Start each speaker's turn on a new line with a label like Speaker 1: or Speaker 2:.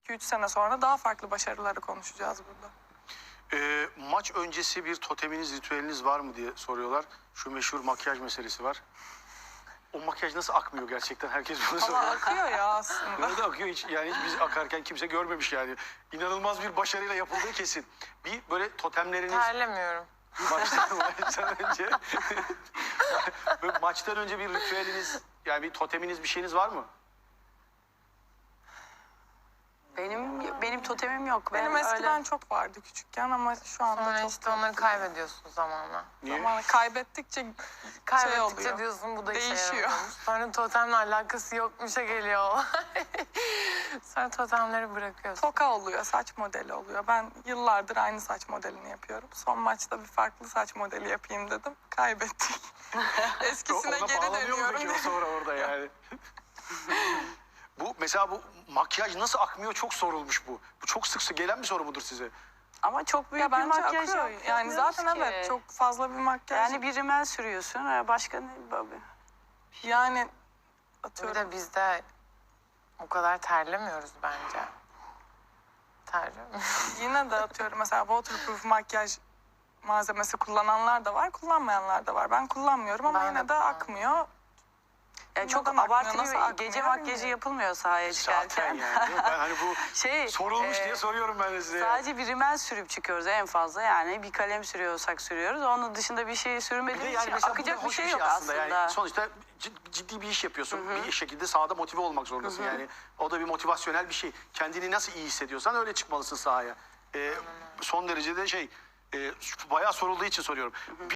Speaker 1: 2-3 sene sonra daha farklı başarıları konuşacağız burada.
Speaker 2: Maç öncesi bir toteminiz, ritüeliniz var mı diye soruyorlar. Şu meşhur makyaj meselesi var. O makyaj nasıl akmıyor gerçekten? Herkes bunu soruyor.
Speaker 1: Ama akıyor ya aslında.
Speaker 2: Nerede akıyor hiç? Yani hiç biz akarken kimse görmemiş yani. İnanılmaz bir başarıyla yapıldığı kesin. Bir böyle totemleriniz...
Speaker 3: Terlemiyorum.
Speaker 2: Maçtan önce... Böyle maçtan önce bir ritüeliniz, yani bir toteminiz, bir şeyiniz var mı?
Speaker 4: Benim totemim yok.
Speaker 1: Benim
Speaker 4: Ben
Speaker 1: eskiden
Speaker 4: öyle...
Speaker 1: çok vardı küçükken ama şu anda
Speaker 3: Sonra
Speaker 1: çok
Speaker 3: işte onları kaybediyorsun zamanla.
Speaker 2: Niye?
Speaker 1: Zamanla kaybettikçe
Speaker 3: Kaybettikçe
Speaker 1: oluyor.
Speaker 3: diyorsun bu da işe
Speaker 1: Değişiyor.
Speaker 3: yaramıyormuş. Sonra totemle alakası yokmuşa geliyor olay. Sonra totemleri bırakıyorsun.
Speaker 1: toka oluyor, saç modeli oluyor. Ben yıllardır aynı saç modelini yapıyorum. Son maçta bir farklı saç modeli yapayım dedim. Kaybettik. Eskisine
Speaker 2: Ona
Speaker 1: geri
Speaker 2: bağlanıyor mu
Speaker 1: dönüyorum.
Speaker 2: peki o sonra orada yani? Mesela bu makyaj nasıl akmıyor çok sorulmuş bu. Bu çok sık gelen bir soru mudur size?
Speaker 4: Ama çok büyük
Speaker 1: Ya
Speaker 4: bir
Speaker 1: bence
Speaker 4: makyaj
Speaker 1: akıyor. Yani
Speaker 4: yapmıyoruz
Speaker 1: zaten
Speaker 4: ki.
Speaker 1: evet çok fazla bir makyaj.
Speaker 4: Yani bir rimel sürüyorsun. Başka ne?
Speaker 1: Yani
Speaker 3: Bir
Speaker 1: atıyorum.
Speaker 3: de bizde o kadar terlemiyoruz bence. Terlemiyoruz.
Speaker 1: Yine de atıyorum mesela waterproof makyaj malzemesi kullananlar da var, kullanmayanlar da var. Ben kullanmıyorum ama
Speaker 3: Ben de
Speaker 1: yine de
Speaker 3: kullanmıyorum.
Speaker 1: akmıyor.
Speaker 4: Yani çok
Speaker 1: Neden akmıyor,
Speaker 4: abartılı
Speaker 1: nasıl
Speaker 4: bir
Speaker 1: akmıyor
Speaker 4: gece makyajı
Speaker 1: bilmiyorum.
Speaker 4: yapılmıyor sahaya
Speaker 2: Zaten
Speaker 4: çıkarken.
Speaker 2: yani. Ben hani bu sorulmuş diye soruyorum ben de size.
Speaker 4: Sadece bir rimel sürüp çıkıyoruz en fazla. Yani bir kalem sürüyorsak sürüyoruz. Onun dışında bir şey
Speaker 2: Bir de
Speaker 4: sürmediğimiz
Speaker 2: yani
Speaker 4: için
Speaker 2: mesela
Speaker 4: akacak
Speaker 2: bu
Speaker 4: bir
Speaker 2: hoş
Speaker 4: şey yok
Speaker 2: aslında.
Speaker 4: aslında.
Speaker 2: Yani sonuçta ciddi bir iş yapıyorsun. Bir şekilde sahada motive olmak zorundasın. Yani o da bir motivasyonel bir şey. Kendini nasıl iyi hissediyorsan öyle çıkmalısın sahaya. Son derece de bayağı sorulduğu için soruyorum.